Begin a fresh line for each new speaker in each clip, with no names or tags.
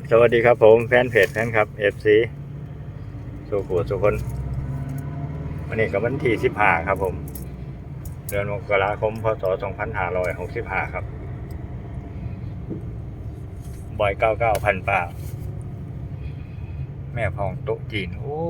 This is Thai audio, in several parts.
สวัสดีครับผมแฟนเพจแฟนครับ FC สุขุสุคนวันนี้กับวันที่15ครับผมเดือนมกราคมพศ2565ครับบอย99พันป่าแม่พองโต๊ะจีนโอ้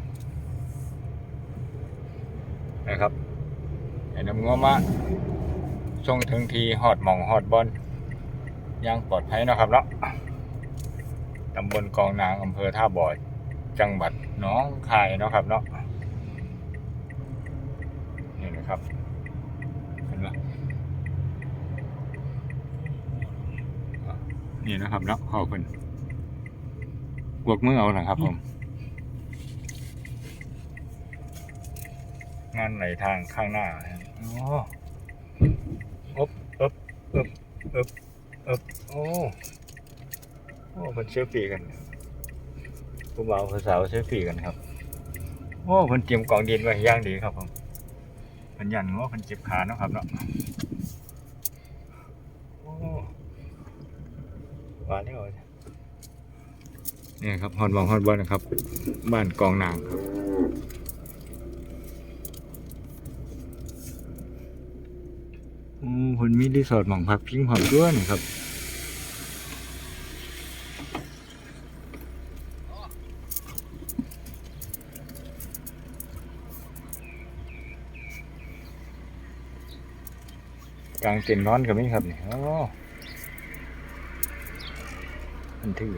นะครับไอ้น้ำงัวมาส่งถึงทีฮอดหม่องฮอดบอลยังปลอดภัยนะครับเนาะตำบลกองนางอำเภอท่าบ่อจังหวัดหนองคายเนาะครับเนาะนี่นะครับเห็นไหมนี่นะครับเนาะขอบคุณกวกมือเอาหน่อยครับผมงานไหนทางข้างหน้าโอ้อบโอ้คนเซลฟี่กันผู้บ่าวผู้สาวเซลฟี่กันครับโอ้คนเตรียมกองดินไว้ย่างดีครับผมคนยันง้อคนเจ็บขาเนาะครับเนาะโอ้ว่าแล้วนี่ครับฮอดบอลนะครับบ้านกองนางครับคนมีรีสอร์ทหม่องพักพิงหอมด้วยนี่ครับกลางเต็นท์นอนกับนี่ครับนี่โอ้มันถือ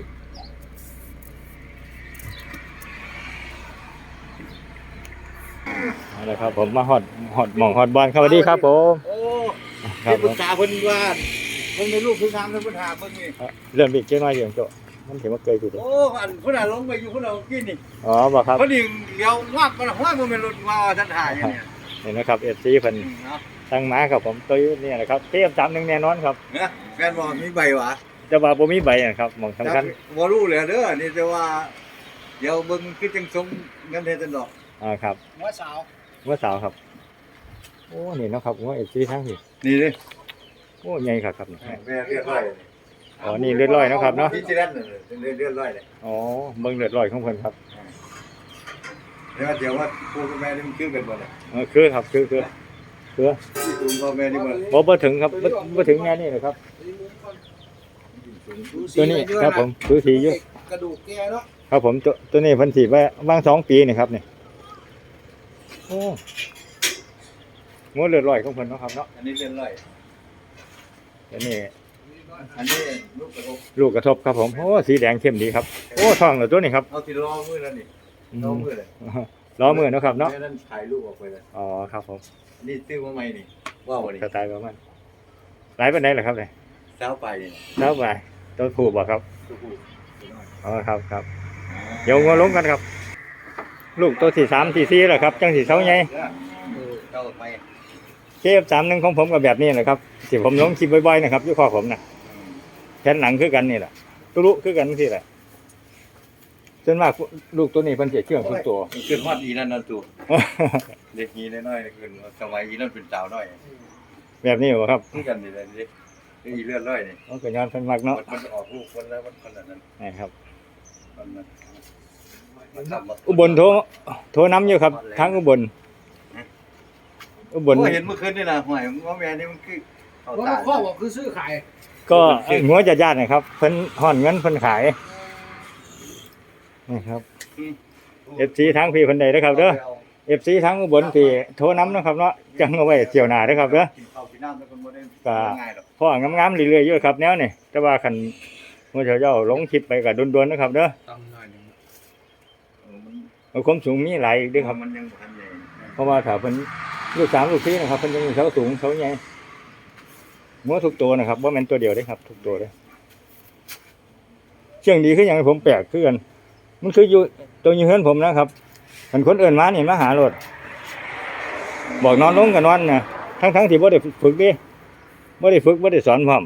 เอาละครับผมมาฮอดหม่องฮอดบอลครับสวัสดีครับผม
ที่ปรึกษาเพิ่นว่าเพิ่นในลูกเพิ่นทำแล้วเพิ่นหาเพิ่นนี่
เริ่มอีกเจ้าน้อยอย่างโตมันถือว่าเกยถูก
โอ้อันเพิ่นน่ะลงไปอยู่เพิ่นเอากินนี่
อ๋อบ่ครับ
เพิ่นนี่เดี๋ยววาดบ่ฮ้อยบ่แม่นรถว่าท่านถ่ายอย่างนี้
นี่นะครับ FC เพิ่นตั้งมาครับผมตัวนี้นะครับเตรียม31แน่นอนครับ
นะแฟนบ่มีใบหวะ
แต่ว่าบ่มีใบนะครับหม่องสำคัญ
บ่รู้เลยเด้อนี่แต่ว่าเดี๋ยวเบิ่งคือจังสงเงินเฮ็ดจังดอก
ครับ
หัวส
าวครับโอ้นี่เนาะครับว่า FC ทั้งนี่
นี่เด้
โอ้ใหญ่ครับนี่
เลือดร้อย
อ๋อนี่เลือดร้อยนะครับเนาะ
ที่นั่นเลือดร้อยเลย
อ๋อเบิ่งเลือดร้อยของเพิ่นครับ
เดี๋ยวว่าปู่กับแม่นี่มันคือกันบ่ล่ะ
คือครับคือ
ปู่กับแม่นี่
บ่ถึงครับบ่ถึงแค่นี้เลยครับตัวนี้ครับผมคือสีอยู่
กระดูกแกเนาะ
ครับผมตัวนี้เพิ่นสิไว้วาง2ปีนี่ครับนี่โอ้งัวเลือดร้อยของเพิ่นเนาะครับเนาะ
อันนี้เลือดร้อย
อันนี้
ลูกกระทบ
ครับผมโอ้สีแดงเข้มดีครับโอ้ทองเหรอตัวนี้ครับ
เอาที่ล้อมือแล้วนี่ล้อมือเลย
ล้อมือเนาะครับเนาะ
นั่นถ่ายรูปออกไปเลย
อ๋อครับผม
นี่ซื้อมาใหม่นี่ว้าวนี่
สไตล์ประมาณหลายปานใดล่ะครับเนี่ย
20ไปนี่
20ไปตัวผู้บ่ครับอ๋อครับเดี๋ยวงัวลงกันครับลูกตัวที่3ที่4แล้วครับจังสิเซาใหญ่
เจ้าไป
KF31ของผมก็แบบนี้แหละครับที่ผมลงคลิปบ่อยๆนะครับอยู่ข้อผมน่ะแผ่นหลังคือกันนี่แหละตุลุคือกันที่แหละจนมากลูกตัวนี้เพิ่นสิเชื่องทุกตัว
ขึ้นฮอดอีนั่นตัวเด็กอีน้อยๆขึ้นสมัยอีนั่นเป็นสาวน้อย
แบบนี้บ่ครับ
คือกันนี่แหละเด็กอีเลือดร้อยนี่
ก็ย้อนเพิ่นมักเนาะ
มันออกลูกคนแล้วมันขนาดนั้น
นี่ครับ
มัน
อุบลโทรนำอยู่ครับทางอุบล
เห็นเมื่อคืนนี่นะหอยง้อแม่นี่มันคือ
เขาตายข้อบอกคือซื้อขาย
ก็งัวญาตินะครับเพิ่นห่อนเงินเพิ่นขายนี่ครับ FC ทางพี่เพิ่นได้เด้อครับเด้อ FC ทางอุบลที่โทรนำนะครับเนาะจังเอาไว้เที่ยวหน้าเด้อครับเด้อก็พ่องามๆเรื่อยๆอยู่ครับแนวนี่แต่ว่าคันมื้อเจ้าลงคลิปไปก็ด่วนๆนะครับเด้อความสูงมีหลายอีกเด้อครับเพราะว่าถ้าเพิ่นลูก3ลูก4นะครับเพิ่นยังมีเสาสูงเสาใหญ่งัวทุกตัวนะครับบ่แม่นตัวเดียวเด้ครับทุกตัวเด้เชื่องดีคือหยังผมแปลกคือกันมันคืออยู่ตัวอยู่เฮือนผมนะครับคันคนอื่นมานี่มาหารถบอกนอนลงก็นอนน่ะทั้งที่บ่ได้ฝึกดิบ่ได้ฝึกบ่ได้สอนพร้อม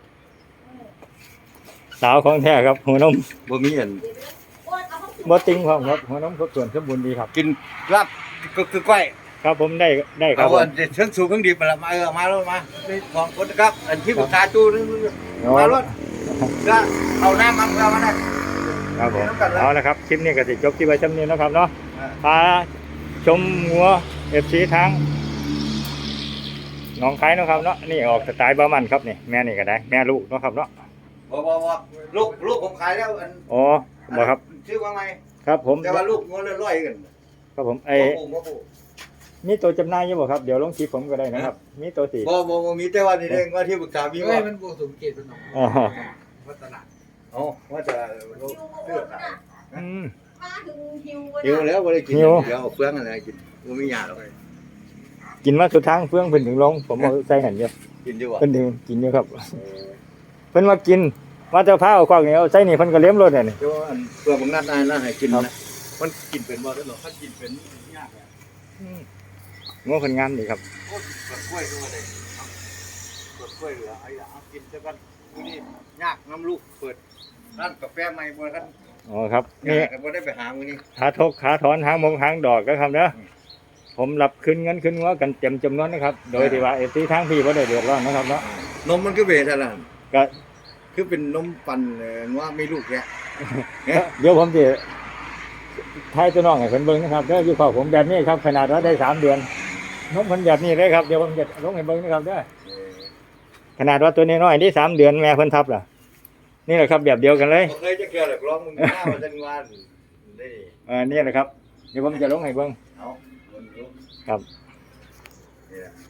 สาวของแท้ครับหัวนม
บ่มีอัน
บ่ติงพร้อมครับหัวนมครบถ้วนสมบูรณ์ดีครับ
กินลาบก็คือก้อย
ครับผมได้ครับ
เอาเชิงสูงเครื่องดิบมาแล้วมานี่ของคนครับอันที่ปรึกษาจูมารถก็เอาน้ำมันเรามาได้
ครับผมเอาละครับคลิปนี้ก็สิจบที่ไว้จำนี้นะครับเนาะพาชมงัว FC ทั้งหนองคายเนาะครับเนาะนี่ออกสไตล์บามันครับนี่แม่นี่ก็ได้แม่ลูกเนาะครับเนาะ
บ่ลูกผมขายแล้วอัน
อ๋อบ่ครับ
ชื่อว่าไง
ครับผม
แต่ว่าลูกงวเรื่อยๆกัน
ครับผม
บ่
ไอ้
ปลูกบ่ปลูก
มีตัวจำหน่ายอยู่บ่ครับเดี๋ยวลงคลิปผมก็ได้นะครับมีตัวสี
บ่มีแต่ว่านี่เองว่าที่ปรึกษามี
เฮ้
ว่าย
มันบวกสมเกตเป็นหนอง
อ๋อ
วัฒนะ
อ๋อว่าจะลูกเลือกขาย
อืม
มาถึงหิว
หิวแล้วบ่ได้กิน
หิว
เดี๋ยวเอาเฟืองอะไรกินบ่มีหยาหรอก
กินมาสุดทางเพื่องเพิ่นถึงลงผมเอาใส่หันอยู่
กินดีกว่า
เพิ่นถึงกินอยู่ครับเพิ่นมากินมาจะพาเอาควากนี่เอาใส่นี่เพิ่นก็เลี้ยมรถเนี่ย
เดี๋ยวอันเพื่อบางนัดนายนะให้กินนะมันกินเป็นบ่ได้หรอกถ้ากินเป็นยากอะ
งัวเพิ่นงามดีครับ
โอ้ยเปิดกล้วยด้วยเลยเปิดกล้วยเหลือไอ้เอากินซะกันมื้อนี้ยากน้ำลูกเปิดร้านกาแฟใหม่บ่ทัน
อ๋อครับ
นี่
นี่
ก็บ่ได้ไปหามื้อนี้
ขาทกขาถอนหางมงหางดอกก็ครับเด้อผมรับคืนเงินคืนงัวกันเต็มจำนวนนะครับ โดยที่ว่าเอฟซีทางพี่บ่ได้เดือดร้อนนะครับเนาะ
นมมันก็เวทอะไร
ก็
คือเป็นนมปั่นว่าไม่ลูกแก
เดี๋ยวผมจะทายตัวน้องให้เพิ่นเบิ่งนะครับเด้ออยู่ข้อผมแบบนี้ครับขนาดว่าได้3 เดือนนมเพิ่นแบบนี้เลยครับเดี๋ยวผมจะลงให้เบิ่งนะครับเด้อขนาดว่าตัวน้อยๆนี่3 เดือนแม่เพิ่นทับล่ะนี่แหละครับแบบเดียวกันเลย
บ่เคยจะเกิดหรอกร้องมึงหน้ามาจังหวันนี่
นี่แหละครับเดี๋ยวผมจะลงให้เบิ่ง
เอาคนรู้
ครับ
นี่แหละ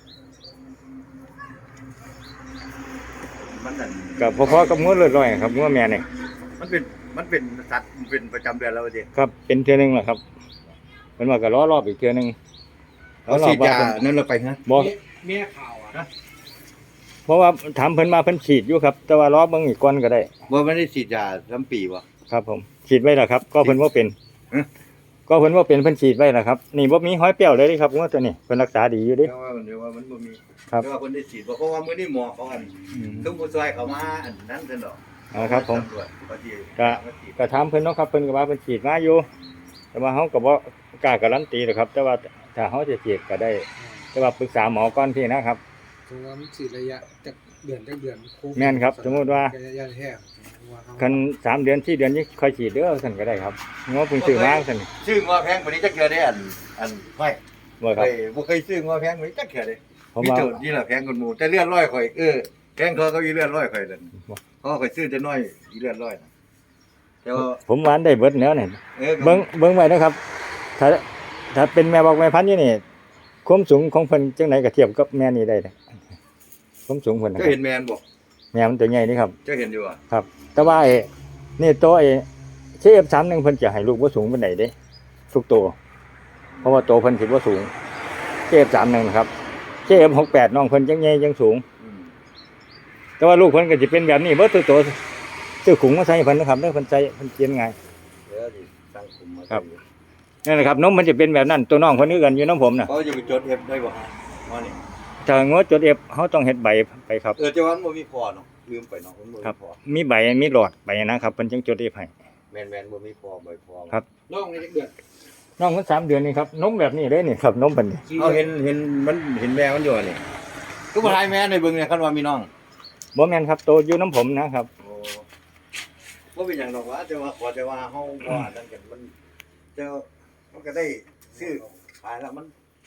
มันนั่น
ก็พอๆกับงัวเลือดร้อยครับงัวแม่นี่
มันเป็นสัตว์มันเป็นประจำเดือนแล้วดิ
ครับเป็นเทื่อนึงแหละครับเพิ่นว่าก็รอรอบอีกเทื่อนึง
เอาฉีดยานั่นเราไปฮะ
บ่
เมียข่าวอ่ะ
เพราะว่าถามเพิ่นมาเพิ่นฉีดอยู่ครับ แต่ว่ารอเบิ่งอีกก่อนก็ได้
บ่ไม่ได้ฉีดยาทั้งปีวะ
ครับผมฉีดไว้แล้วครับ ก็เพิ่นว่าเป็น
ฮะ
ก็เพิ่นว่าเป็นเพิ่นฉีดไว้แล้วครับนี่บ่มีห้อยเปรี้ยวเลยเด้ครับงัวตัวนี้เพิ่นรักษาดีอยู่เด้
เดี๋ยวว่ามันบ่มี
ครับ
เดี๋ยวว่าคนได้ฉีดบ่เพราะว่ามื้อนี้หมอเขาอันทุกผู้ช่วยเขามาอันนั้นซั่นดอก
ครับผม
ตำรวจเขาที่
ก็
มาฉีด
ก็ถามเพิ่นเนาะครับเพิ่นก็ว่าเพิ่นฉีดมาอยู่ แต่ว่าเฮาก็บ่กล้าการันตีหรอกครับ แต่ว่าถ้าเฮาจะฉีดก็ได้ แต่ว่าปรึกษาหมอก่อนพี่นะครับ
สมมติว่ามันฉีดระยะจากเดือนโควิด
แม่นครับสมมุติว่า
ระยะแห้ง
คัน3 เดือน4 เดือนนี้ค่อยฉีดเด้อซั่นก็ได้ครับงัวเพิ่งซื้อมาซั่น
ซื้องัวแพงกว่านี้จักเทื่อได้อันไม่
บ่ครับ
บ่เคยซื้องัวแพงกว่านี้จักเทื่อเด้
ผม
มี
ว่า
โจทย์นี่ล่ะแพงกว่าหมู่แต่เลือดร้อยข่อยแพงเขาอีเลือดร้อยข่อยนั่น
บ่
เพราะข่อยซื้อแต่น้อยอีเลือดร้อยน่ะแต่ว่า
ผมว่าอันได้เบิดแล้วเนี่ย
ก็
เบิ่งไว้นะครับ ถ้าเป็นแม่บอกแม่พันธุ์อยู่นี่ความสูงของเพิ่นจังไดก็เทียบกับแม่นี่ได้นะความสูงเพิ่นนะค
เจ้า
รับ
เห็นแมนบ่
แม่มันตัวใหญ่นี่ครับ
เจ้าเห็นอยู่อ่ะ
ครับ แต่ว่านี่ตัวCF31เพิ่นจะให้ลูกบ่สูงปานใดเด้ทุกตัวเพราะว่าตัวเพิ่นสิบ่สูง CF31 นะครับ CF68 น้องเพิ่นจังใหญ่จังสูง
อืม
แต่ว่าลูกเพิ่นก็สิเป็นแบบนี้เบิดทุกตัวซื้อขุงมาใส่เพิ่นนะครับเด้อเพิ่นใส่เพิ่นเกียนง่าย
เดี๋ยวสิตั้งคุมมา
ครับ นั่นแหละครับนมมันจะเป็นแบบนั้นตัวน้องเพิ่นคือกันอยู่น้ำผมน่ะ
เขาจะไปจดเอฟได้บ่ฮะว่านี่
ถ้างดจด F เฮาต้องเฮ็ดใบไปครับ
แต่ว่ามันบ่มีพอเนาะลืมไปเนาะมันบ่
ครั
มี
บ
พอ
มีใบมีหลอดใบนะครับเพิ่นจังจด F ให้
แม่นบ่มีพอบ่พอ
ครับ
น้องในจักเดือน
น้องมัน3 เดือนนี่ครับนมแบบนี้เลยนี่ครับนมเพิ่นนี่
เอาเห็นมันเห็นแมวมันอยู่นี่ก็บ่ทายแม่ในเบิ่งเนี่ยคันว่ามีน้อง
บ่แม่นครับโตอยู่น้ำผมนะครับ
โอ้บ่เป็นหยังดอกว่าแต่ว่าขอแต่ว่าเฮาบ่อันนั้นกันมันแต่ว่ามันก็ได้ซื้อขายแล้วมัน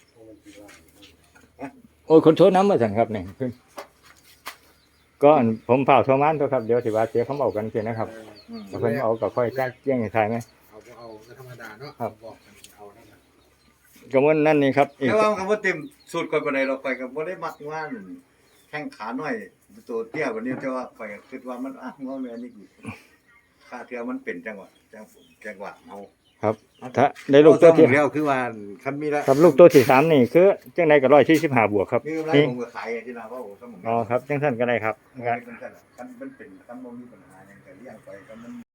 โอ้ยคนโทรน้ำมาสั่นครับนี่เพิ่นก็อันผมเฝ้าโทรมานตัวครับเดี๋ยวสิว่าเสียคำเอากันเสียนะครับถ้าเพิ่นเอาก็ค่อยจ้างแจ้งให้ทายไหม
เอาธรรมดาเนาะ
ครับ
บอกกันเอานั่นน่ะ
ก็มันนั่นนี่ครับอีก
แต่ว่าคำว่าเต็มสูตรก่อนปานใดเราไปก็บ่ได้มักว่าแข้งขาน้อยตัวเตี้ยกว่านี้แต่ว่าข่อยก็คิดว่ามันงอแม่นี่อีกค่าเทื่อมันเป็นจังหวะเฮา
ครับถ้าได้ลูกตัวที่
แล้วคือว่าคันมีแล้ว
ครับลูกตัวที่3นี่คือจังไดก็145บวกครับ
มีกำไร
นี่
ผมก็ขายที่นาว่าโอ้สมอง
อ๋อครับจังซั่นก็ได้ครับ
คันมันเป็นคันบ่มีปัญหาหยังก็เลี้ยงไปคันมัน